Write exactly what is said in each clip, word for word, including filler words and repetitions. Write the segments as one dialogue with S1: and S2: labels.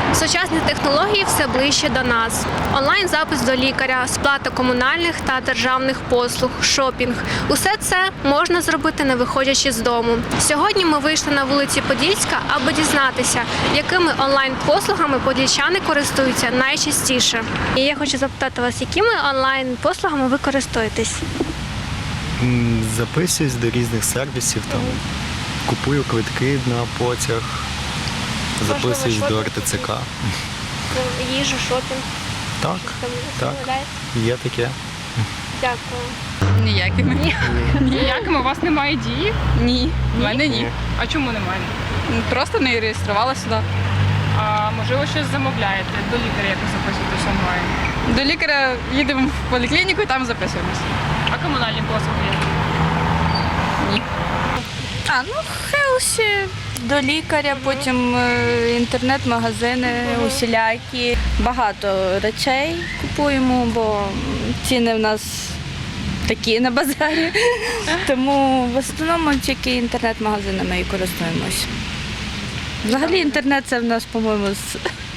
S1: Сучасні технології все ближче до нас. Онлайн-запис до лікаря, сплата комунальних та державних послуг, шопінг – усе це можна зробити, не виходячи з дому. Сьогодні ми вийшли на вулиці Подільська, аби дізнатися, якими онлайн-послугами подільчани користуються найчастіше. І я хочу запитати вас, якими онлайн-послугами ви користуєтесь?
S2: М, Записуюсь до різних сервісів, там, купую квитки на потяг, записуюсь до
S1: шопінг?
S2: ер те це ка.
S1: Їжу, шопінг?
S2: Так,
S1: Там
S2: так,
S1: замовляєте?
S2: є таке.
S1: Дякую.
S3: Ніякими.
S4: Ніякими у вас немає дії?
S3: Ні. В мене ні.
S4: А чому немає?
S3: Просто не реєструвала сюди.
S4: А можливо, щось замовляєте до лікаря, якось записуєтесь онлайн?
S3: До лікаря їдемо в поліклініку і там записуємось.
S4: А комунальні послуги є?
S3: Ні.
S5: А, ну, Хелсі, до лікаря, потім е, інтернет-магазини усілякі. Багато речей купуємо, бо ціни в нас такі на базарі. Тому в основному тільки інтернет-магазинами і користуємось. Взагалі інтернет це в нас, по-моєму, з-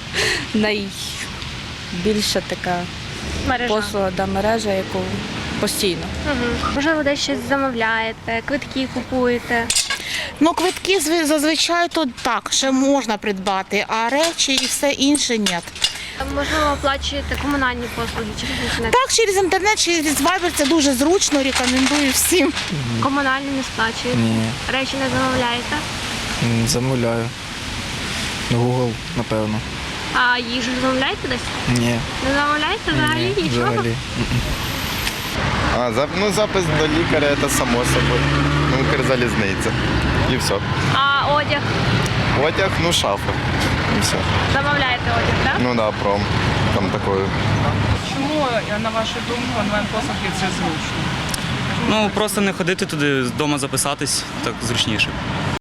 S5: найбільша така
S1: Мережа.
S5: послуга, да, мережа, яку постійно.
S1: Угу. Можливо, десь щось замовляєте, квитки купуєте.
S6: Ну, квитки зв- зазвичай то так, ще можна придбати, а речі і все інше ні.
S1: Можливо, оплачуєте комунальні послуги через інтернет.
S6: Так, через інтернет, через Viber це дуже зручно, рекомендую всім.
S1: Комунальні не сплачуєте.
S7: Ні,
S1: Речі не замовляєте.
S7: м, замовляю. Google, напевно.
S1: А їжу замовляєте десь?
S7: Ні,
S1: Не замовляєте взагалі
S7: ні,
S1: нічого?
S7: взагалі.
S8: А, зап- ну, запис до лікаря – це само собою. Ну, Укрзалізниця. І все.
S1: А одяг?
S8: Одяг, ну, шафа. І все.
S1: Замовляєте одяг, так?
S8: Ну, да, пром. Там такою.
S4: Чому, на вашу думку, онлайн-послуги це зручно?
S9: Ну, просто не ходити туди, вдома записатись, так зручніше.